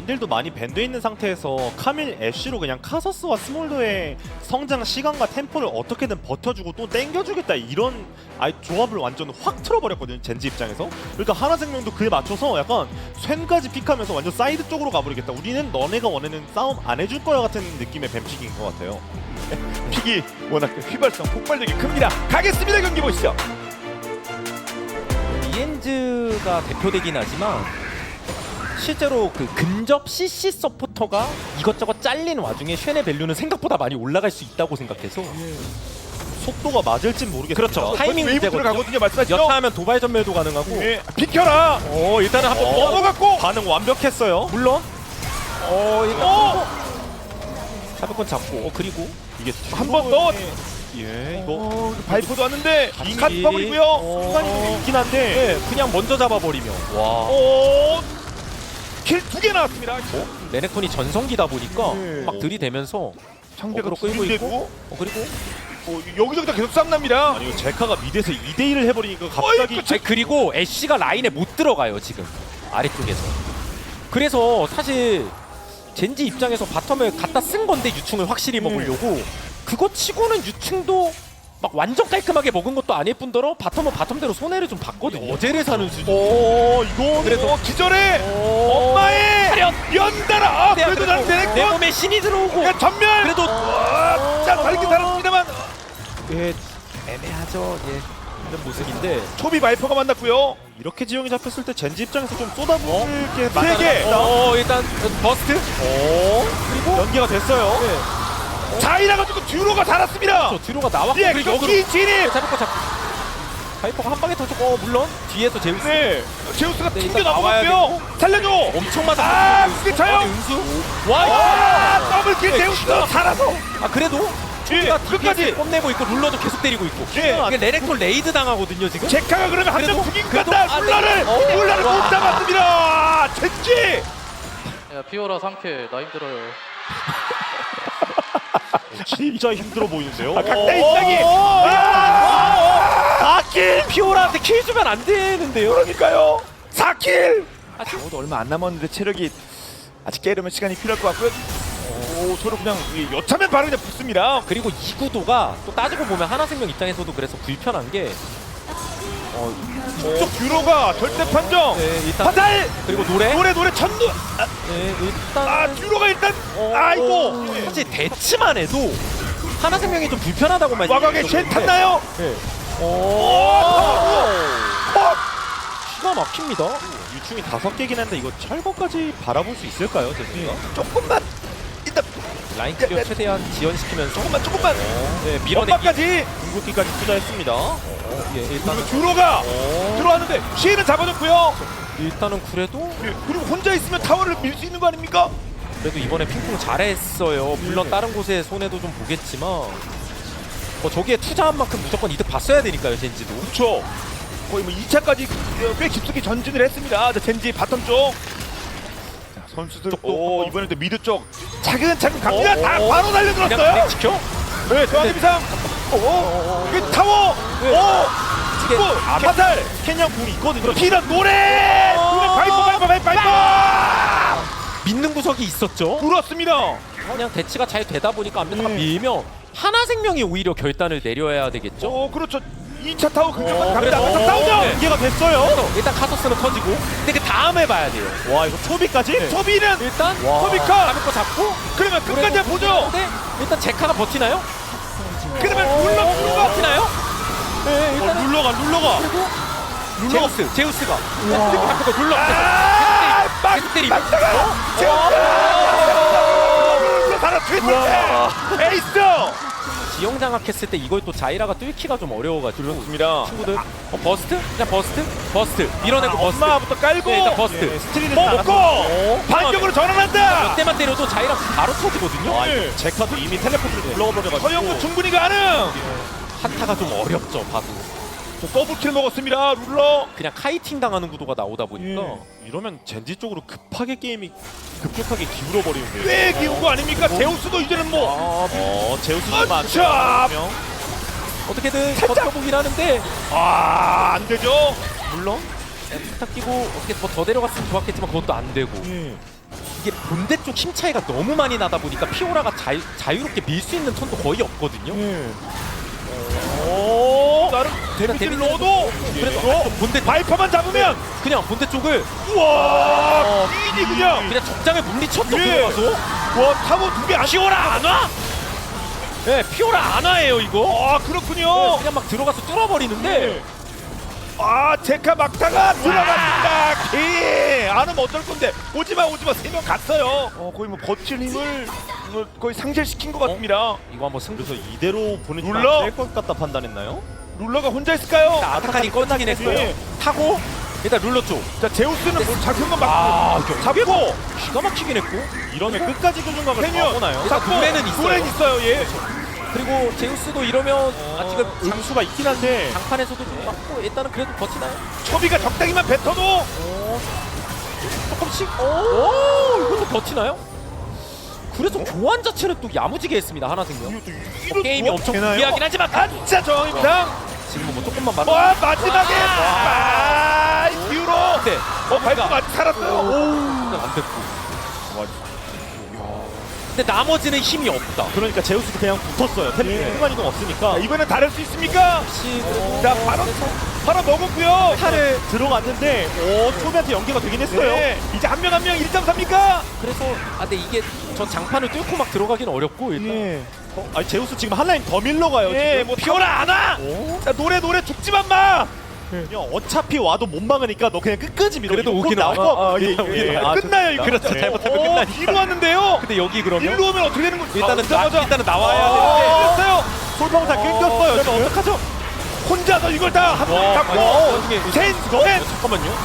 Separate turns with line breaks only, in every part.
원딜도 많이 밴드에 있는 상태에서 카밀, 애쉬로 그냥 카서스와 스몰더의 성장 시간과 템포를 어떻게든 버텨주고 또 땡겨주겠다 이런 아예 조합을 완전 확 틀어버렸거든요, 젠지 입장에서. 그러니까 하나생명도 그에 맞춰서 약간 쇤까지 픽하면서 완전 사이드 쪽으로 가버리겠다, 우리는 너네가 원하는 싸움 안 해줄 거야 같은 느낌의 뱀픽인 것 같아요.
픽이 워낙 휘발성 폭발력이 큽니다. 가겠습니다. 경기 보시죠.
리엔즈가 대표되긴 하지만 실제로 그 근접 CC 서포터가 이것저것 잘린 와중에 쉔의 밸류는 생각보다 많이 올라갈 수 있다고 생각해서
속도가 맞을진 모르겠습니다.
그렇죠. 타이밍
웨이브
문제거든요.
들어가거든요. 말씀하시죠.
여타하면 도발 전멸도 가능하고
예, 비켜라.
일단은 한번
넘어갔고.
반응 완벽했어요.
물론 일단 사백권 잡고 그리고
이게
한 번 더.
예, 이거
발포도 왔는데
빙
컷
미리.
버블이고요.
순간이 있긴 한데
그냥 먼저 잡아버리면
와.
킬 2개 나왔습니다.
레넥톤이 전성기다 보니까
네.
막 들이대면서
상대가
어그로 끌고
끌고
있고 그리고
여기저기 다 계속 싸움 납니다.
아니 이거 제카가 미드에서 2대1을 해버리니까 갑자기
어이,
그리고 애쉬가 라인에 못 들어가요 지금 아래쪽에서. 그래서 사실 젠지 입장에서 바텀을 갖다 쓴 건데 유충을 확실히 먹으려고 그거 치고는 유충도 막 완전 깔끔하게 먹은 것도 아닐 뿐더러 바텀은 바텀대로 손해를 좀 봤거든요. 어제를 사는 수준.
이거 그래도 기절해. 엄마의
차렷!
연달아. 그래도 나는
내
되겠고.
몸에 신이 들어오고
야, 전멸.
그래도
자, 다르게 살았습니다만
애매하죠. 이런 모습인데
초비 바이퍼가 만났고요.
이렇게 지형이 잡혔을 때 젠지 입장에서 좀 쏟아부을 게
세 개.
일단 버스트. 그리고
연계가 됐어요.
자이라 가지고 듀로가 살았습니다.
저 뒤로가 나왔고
예,
그리고 역으로
경기 진입.
잡을 거 잡고 바이퍼가 한 방에 터졌고 물론 뒤에서 제우스
네, 제우스가
네,
튕겨
일단
나와봤고요. 살려줘.
엄청 맞아.
그게 쳐요.
은수.
더블킬 제우스 살아서.
그래도
예, 끝까지.
뽐내고 있고 룰러도 계속 때리고 있고.
예.
이게 레넥톤 레이드 당하거든요 지금.
제카가 그러면 한
그래도-
점 죽인 것
그래도-
같다. 룰라를
네.
못 잡았습니다. 젠지.
야 피오라 3킬 나 힘들어요.
진짜 힘들어 보이는데요.
각자 입장이.
킬 피오라한테 킬 주면 안 되는데요.
그러니까요. 4킬.
저도
얼마 안 남았는데 체력이 아직 깨려면 시간이 필요할 것 같고요. 서로 그냥 여차면 바로 그냥 붙습니다.
그리고 이 구도가 또 따지고 보면 하나생명 입장에서도 그래서 불편한 게
쪽 듀로가 절대 판정.
일단
화살.
그리고 노래.
노래 천도.
일단
듀로가 일단. 아이고.
사실 대치만 해도 하나생명이 좀 불편하다고
와가게 쉔 탔나요?
네. 기가 막힙니다.
유충이 5개긴 한데 이거 철거까지 바라볼 수 있을까요, 젠지가?
조금만. 일단
라인 클리어 최대한 지연시키면서
조금만.
밀어내기.
엄마까지.
궁극기까지 투자했습니다.
일단
듀로가 들어왔는데 시에는 잡아줬고요.
일단은 그래도
그리고 혼자 있으면 타워를 밀 수 있는 거 아닙니까?
그래도 이번에 핑퐁 잘했어요. 물론 다른 곳에 손해도 좀 보겠지만 저기에 투자한 만큼 무조건 이득 봤어야 되니까요, 젠지도.
그렇죠. 거의 뭐 2차까지 꽤 깊숙이 전진을 했습니다. 젠지 바텀 쪽. 자, 선수들 이번에 또 미드 쪽 차근차근 갑니다. 다 바로
그냥
달려들었어요.
지켜?
네, 저한테 비상. 그 타워.
이게
화살.
캐냥 궁이 있거든요.
피난 노래. 바이퍼.
믿는 구석이 있었죠.
불었습니다.
그냥 대치가 잘 되다 보니까 앞에다가 밀면 하나생명이 오히려 결단을 내려야 되겠죠.
그렇죠. 2차 타워 근처까지 갑니다.
그래서-
바텀 싸우죠.
네.
연계가 됐어요.
그래서 일단 카서스는 터지고 근데 그 다음에 봐야 돼요.
와, 이거 초비까지?
소비는
일단
소비카.
잡을 거 잡고
그러면 끝까지 한번 보죠.
근데 일단 제카가 버티나요?
그러면 룰러
버티나요? 네, 일단은
룰러가.
제우스가 잡고 룰러 계속 때리고
에이스.
지형 장악했을 때 이걸 또 자이라가 뚫기가 좀 어려워가지고
그렇습니다.
친구들 버스트? 그냥 버스트 밀어내고 버스트.
엄마부터 깔고
네, 일단 버스트
스트리는
먹고 반격으로 전환한다.
몇 대만 때려도 자이라 바로 터지거든요.
아, 제카도 이미 텔레포트를 불러버려가지고
서영구 충분히 가능.
한타가 좀 어렵죠 봐도.
더블킬 먹었습니다. 룰러.
그냥 카이팅 당하는 구도가 나오다 보니까
이러면 젠지 쪽으로 급하게 게임이 급격하게 기울어버리는데요.
꽤 기운 거 아닙니까? 제우스도 이제는 뭐.
제우스도
자,
어떻게든 버텨보긴 하는데
안 되죠.
물론 스타 끼고 어떻게 더 내려갔으면 좋았겠지만 그것도 안 되고 이게 본대 쪽 힘 차이가 너무 많이 나다 보니까 피오라가 자유롭게 밀 수 있는 턴도 거의 없거든요.
오, 나름
그러니까
데미지를
데미지를
넣어도
그래도 본대
바이퍼만 잡으면
그냥 본대 쪽을
우와 이니 그냥
그냥 적장에 물리쳤어.
예.
들어가서
와 타고 두개 안.
피오라 안 와? 네, 피오라 안 와예요 이거.
아 그렇군요.
그냥 막 들어가서 뚫어버리는데
아 제카 막다가 들어갔습니다. 키. 안 오면 어쩔 건데 오지마 세 명 갔어요. 거의 뭐 버틸 힘을 거의 상실시킨 것 같습니다.
이거 한번 승부.
그래서 이대로 보내주면
눌러?
안될것 같다 판단했나요?
룰러가 혼자 있을까요?
아타칸이 끝나긴 했어요.
예.
타고 일단 룰러 쪽.
자 제우스는 뭐 잡힌 건
아,
맞고 잡고
기가 막히긴 했고.
이러면 끝까지 교중각을
캐니언
잡고나요?
잡고
노래는 있어요.
노래는 있어요. 예.
그리고 제우스도 이러면 지금
장수가 있긴 한데
장판에서도 좀 맞고 일단은 그래도 버티나요?
초비가 적당히만 뱉어도
조금씩. 오, 이것도 버티나요? 그래서 교환 자체를 또 야무지게 했습니다 하나생명. 게임이 엄청 불리하긴 하지만
진짜 정입당.
지금은 뭐 조금만 맞아.
와 마지막에 듀로.
네.
발도 맞 살았어요.
안 됐고. 근데 나머지는 힘이 없다.
그러니까 제우스도 그냥 붙었어요. 템 순간 이동 없으니까
이번엔 다를 수 있습니까?
혹시
자 바로 먹었고요.
팔을 들어갔는데 초비한테 연계가 되긴 했어요.
네. 이제 한 명 1.3입니까?
그래서 근데 이게 저 장판을 뚫고 막 들어가긴 어렵고 일단.
예.
아니 제우스 지금 한 라인 더 밀러 가요.
예,
지금.
뭐 피오라 안 와. 자 노래 죽지만 마.
그냥 어차피 와도 못 막으니까 너 그냥 끝까지 밀어.
그래도
이거
오긴
나올
나와.
거.
예. 끝나요 이거.
그렇죠. 잘못하면 끝나니까.
뒤로 왔는데요.
근데 여기 그러면
일로 오면 어떻게 되는 거지?
일단은 나와야 되는데.
됐어요.
솔방울 다 끊겼어요. 그러면 어떡하죠?
혼자서 이걸 다 한번
와,
잡고
나중에
셋.
잠깐만요.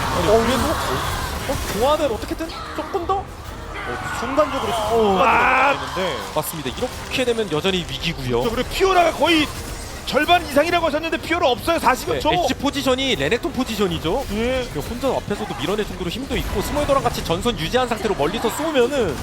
그래도 교환을 어떻게든 조금 더
순간적으로
아.
있는데
맞습니다. 이렇게 되면 여전히 위기고요.
그리고 피오라가 거의 절반 이상이라고 하셨는데 피오라 없어요. 40여 초.
엣지 포지션이 레넥톤 포지션이죠.
예.
혼자 앞에서도 밀어낼 정도로 힘도 있고 스몰더랑 같이 전선 유지한 상태로 멀리서 쏘면은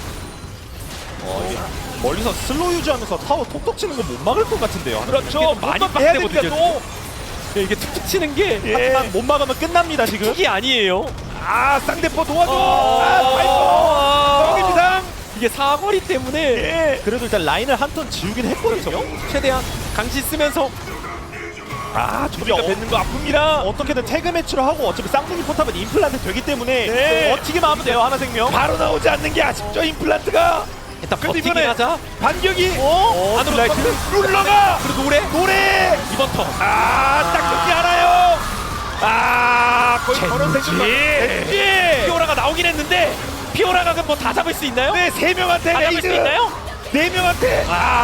멀리서 슬로우 유지하면서 타워 톡톡 치는 거 못 막을 것 같은데요.
그렇죠.
많이
많이 해야 됩니다.
빡세거든요,
또.
이게 툭툭 치는 게
예.
하지만 못 막으면 끝납니다 지금.
툭이 아니에요.
쌍대포 도와줘.
아.
파이퍼. 여기입니다.
이게 사거리 때문에
예.
그래도 일단 라인을 한 턴 지우긴 했거든요.
최대한 강시 쓰면서
조비가 뱉는 거 아픕니다.
어떻게든 태그 매치로 하고 어차피 쌍둥이 포탑은 임플란트 되기 때문에
네.
버티기만 하면 돼요 하나생명.
바로 나오지 않는 게 아쉽죠 임플란트가.
일단
근데
버티긴
이번에
하자.
반격이
안으로
라이트 룰러가
그리고 노래 이번 턴.
딱 좋지 않아요. 거의 저런 생각. 젠지.
피오라가 나오긴 했는데 피오라가 그럼 뭐 다 잡을 수 있나요?
네, 3명한테
다 잡을 수 있나요?
4명한테.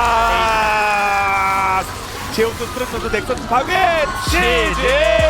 제우스 스트레스 넥서스 파괴. 지지.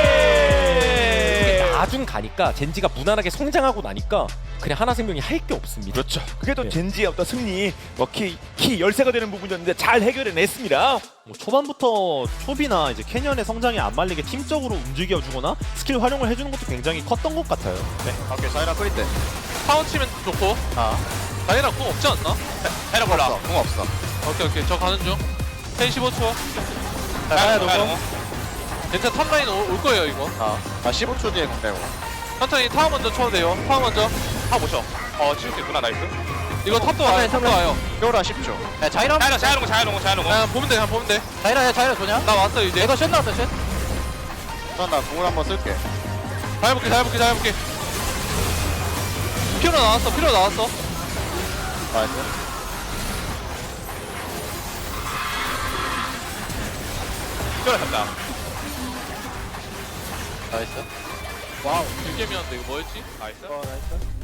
나중 가니까 젠지가 무난하게 성장하고 나니까 그냥 하나생명이 할 게 없습니다.
그렇죠. 그게 또
네.
젠지의 어떤 승리, 키 열쇠가 되는 부분이었는데 잘 해결해냈습니다.
뭐 초반부터 초비나 이제 캐년의 성장에 안 말리게 팀적으로 움직여주거나 스킬 활용을 해주는 것도 굉장히 컸던 것 같아요. 네.
오케이 자이라 끓일 때.
파운 치면 좋고. 자이라 공 없지 않나?
자이라 몰라. 공 없어.
오케이 저 가는 중. 펜 15초.
자이라 노공.
괜찮아 탑라인 올 거예요 이거.
아 15초 뒤에 공 빼고.
천천히 타워 먼저 쳐도 돼요. 타워 먼저.
타 보셔. 치울 수 있구나 나이스.
이거 탑도 와요. 탑도 와요.
피오라 10초. 야 자이라 자이라 공.
그냥 보면 돼. 그냥 보면 돼.
자이라 좋냐?
나 왔어 이제.
내가 쉔 나왔다 쉔. 나 공을 한번 쓸게.
잘 해볼게. 피오라 나왔어.
나이스. 피오라 잡다. 나이스.
와우. 길게 미웠는데 이거 뭐였지?
나이스.